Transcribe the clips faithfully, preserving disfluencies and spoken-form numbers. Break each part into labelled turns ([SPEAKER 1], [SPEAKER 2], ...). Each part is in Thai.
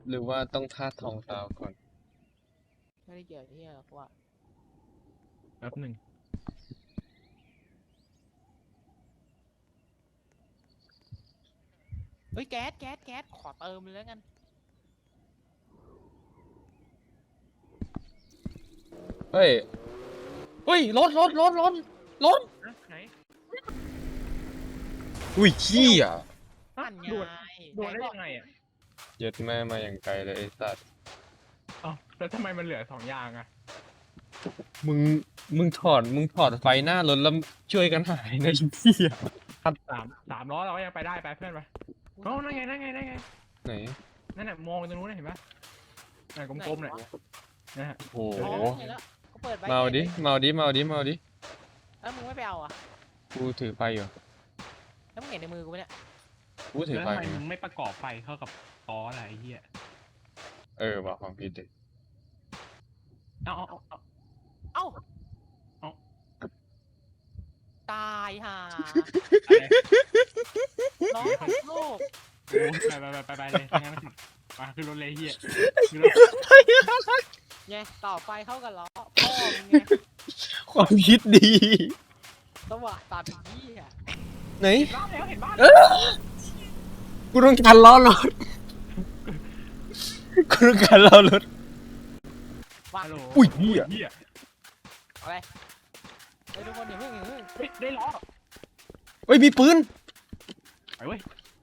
[SPEAKER 1] หรือว่าต้องธาตุทองซาวก่อน
[SPEAKER 2] ไม่ได้เกี่ยวที่หรอกว่า
[SPEAKER 3] แป๊บหนึ่ง
[SPEAKER 2] เฮ้ยแก๊สแก๊สแก๊สขอเติมเลยแล้วกัน
[SPEAKER 1] เฮ้ยเฮ้ยรถรถรถรถรถ
[SPEAKER 3] ไหน
[SPEAKER 1] อุ้ยขี้อ่ะ
[SPEAKER 2] นั่นไง
[SPEAKER 3] โดดโดดได้ยังไงอ่ะ
[SPEAKER 1] เย็ดแม่มาอย่างไกลเลยไอ้สัตว์
[SPEAKER 3] อ๋อแล้วทำไมมันเหลือสองอย่างอ่ะ
[SPEAKER 1] มึงมึงถอดมึงถอดไฟหน้ารถแล้วช่วยกันหายนะไอ้เหี้ย
[SPEAKER 3] สามสามล้อเราก็ยังไปได้ไปเพื่อนไปโอ้นั่นไงนั่นไงนั่นไง
[SPEAKER 1] ไหน
[SPEAKER 3] นั่นน่ะมองตรงนู้นเห็นปะน่ะกลมๆน่ะนะฮะ
[SPEAKER 1] โอ้โห
[SPEAKER 2] อ๋อเห็นแล้วก็เปิดใบ
[SPEAKER 1] เมาดิเมาดิเมาดิเมาดิ
[SPEAKER 2] แล้วมึงไม่ไปเอาอ่ะ
[SPEAKER 1] กูถือไฟอยู่
[SPEAKER 2] แล้วมึงเห็นในมือกูไหมเนี่ย
[SPEAKER 1] กูถือ
[SPEAKER 3] แล้ว
[SPEAKER 1] ไฟ
[SPEAKER 3] ทำไมมึงไม่ประกอบไฟเข้ากับล้ออะไรไอ้เหี้ย
[SPEAKER 1] เออว่ะความผิดเด็ก
[SPEAKER 3] เอาเอาเอาเอา
[SPEAKER 2] เอ้า
[SPEAKER 3] เอ้า
[SPEAKER 2] ตายห่า
[SPEAKER 3] อะไร
[SPEAKER 2] น้องของโลก
[SPEAKER 3] โอ้ไปไปไปไปไปเลยงั้นมาถึงมาขึ้นรถเลยเหี้ยขึ้นรถ
[SPEAKER 2] ไงต่อไฟเข้ากับล้อพ่อมึงไง
[SPEAKER 1] ความคิดดี
[SPEAKER 2] สว่างตาเป็นยี่อ่ะ
[SPEAKER 1] ไหน
[SPEAKER 3] เห็นบ้านแล้วเห็นบ้าน
[SPEAKER 1] เออกูต้องการล้อรถกูต้องการล้อรถ
[SPEAKER 2] ว่า
[SPEAKER 3] ฮัลโหล
[SPEAKER 1] อุ้ยเหี้ย
[SPEAKER 3] เหี้ย
[SPEAKER 2] อะไรเฮ้ยทุกคนอย่าเพิ่งอย่าเพิ่ง
[SPEAKER 3] เฮ้ยได้ล้อ
[SPEAKER 1] เฮ้ยมีปืน
[SPEAKER 3] ไปเว้ย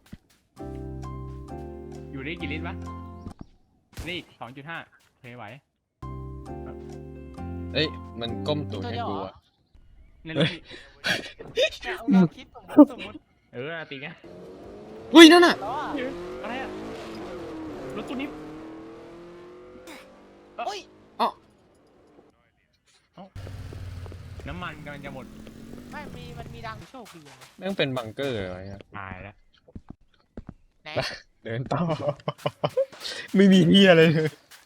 [SPEAKER 3] อยู่ได้กี่ลิตรวะนี่สองจุดห้าเพย์ไหว
[SPEAKER 1] เอ้ยมันก้มตูดให้กูอะ
[SPEAKER 3] ในรถพี่
[SPEAKER 2] เนี่ยเอาเราคิดสมมติสมมติ
[SPEAKER 3] เออตีไง
[SPEAKER 1] เฮ้ยนั่นน่ะ
[SPEAKER 2] แล้วอ่ะ
[SPEAKER 3] อะไรอะรถตู้นี้
[SPEAKER 2] โอ้ย
[SPEAKER 3] น้ำมันกำลังจะหมด
[SPEAKER 2] ไม่มีมันมีดังโชคดีอะ
[SPEAKER 1] แม่งเป็นบังเกอร์อะไรอะ
[SPEAKER 3] ตายแล้ว
[SPEAKER 2] ไหน
[SPEAKER 1] เดินต่อ ไม่มีเหี้ยอะไรเลย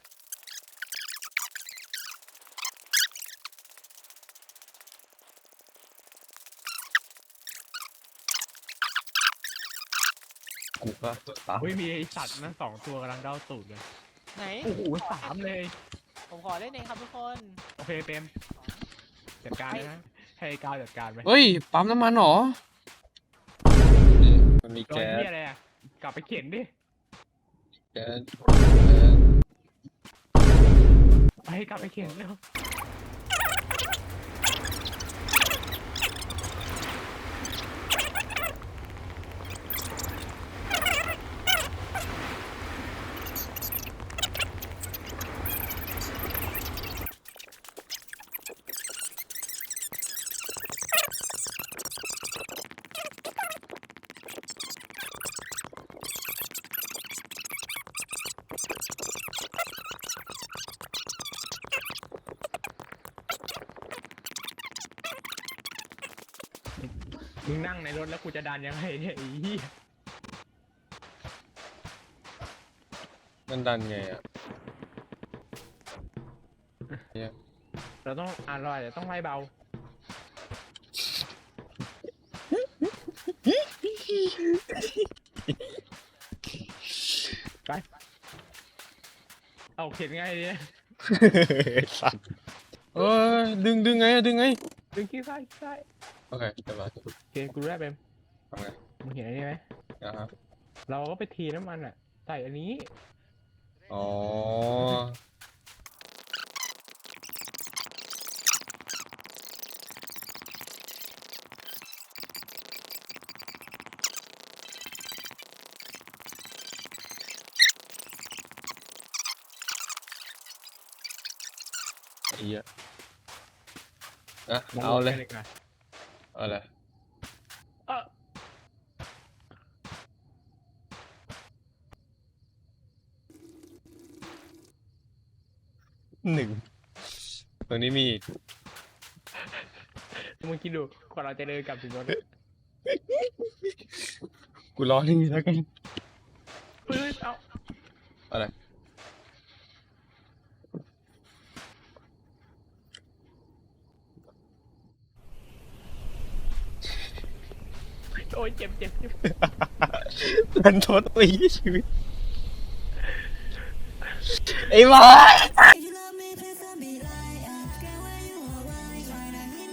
[SPEAKER 1] กูก็ตาม
[SPEAKER 3] เฮ้ยมีไอสัตว์นั่นสองตัวกำลังเด้าตูดเลย
[SPEAKER 2] ไหน
[SPEAKER 3] โอ้โหสามเลย
[SPEAKER 2] ผมขอเล่นเองครับทุกคน
[SPEAKER 3] โอเคเปรมจัดการเลยนะให้ก้าวจัดการไป
[SPEAKER 1] เฮ้ยปั๊มน้ำมันเหรอมันมี
[SPEAKER 3] รอย
[SPEAKER 1] แก๊ส
[SPEAKER 3] ที่อะไรอะกลับไปเข็นดิ
[SPEAKER 1] แก๊ส
[SPEAKER 3] ไปกลับไปเข็นเร็วมึงนั่งในรถแล้วกูจะดันยังไงเนี่ยไอ้เหี้ย
[SPEAKER 1] มันดันไงอ่ะเนี่ย
[SPEAKER 3] เราต้องอ่านรอยเดี๋ยวต้องไล่เบาไปเอาเข็นไงเนี่ย
[SPEAKER 1] สัตว์เอ้ยดึงดึงไงอะดึงไง
[SPEAKER 3] ดึงขี้ซ้ายขี้ซ้าย
[SPEAKER 1] โอเคเดี๋ยวมา
[SPEAKER 3] โอเคกูรู้แล้วเบม
[SPEAKER 1] ทำไง
[SPEAKER 3] มึงเห็นอันนี้ไหม
[SPEAKER 1] นะครับ
[SPEAKER 3] เราก็ไปทีน้ำมันอ่ะใส่อันนี้
[SPEAKER 1] อ๋อไอ้เหี้ยอ่ะเอาเลย
[SPEAKER 3] ไปก่อน
[SPEAKER 1] เอาเลย
[SPEAKER 3] เออ
[SPEAKER 1] หนึ่งตรงนี้มีอีก
[SPEAKER 3] มึงคิดดูกว่าเราจะเดินกลับถึงรถ
[SPEAKER 1] กูรอนี่แล้วกัน
[SPEAKER 3] เฮ้ยเอา
[SPEAKER 1] อะไร
[SPEAKER 3] โอ้ยเจ็บเจ็บเจ็บ
[SPEAKER 1] มันทดตัวอีชีวิตไอ้บอส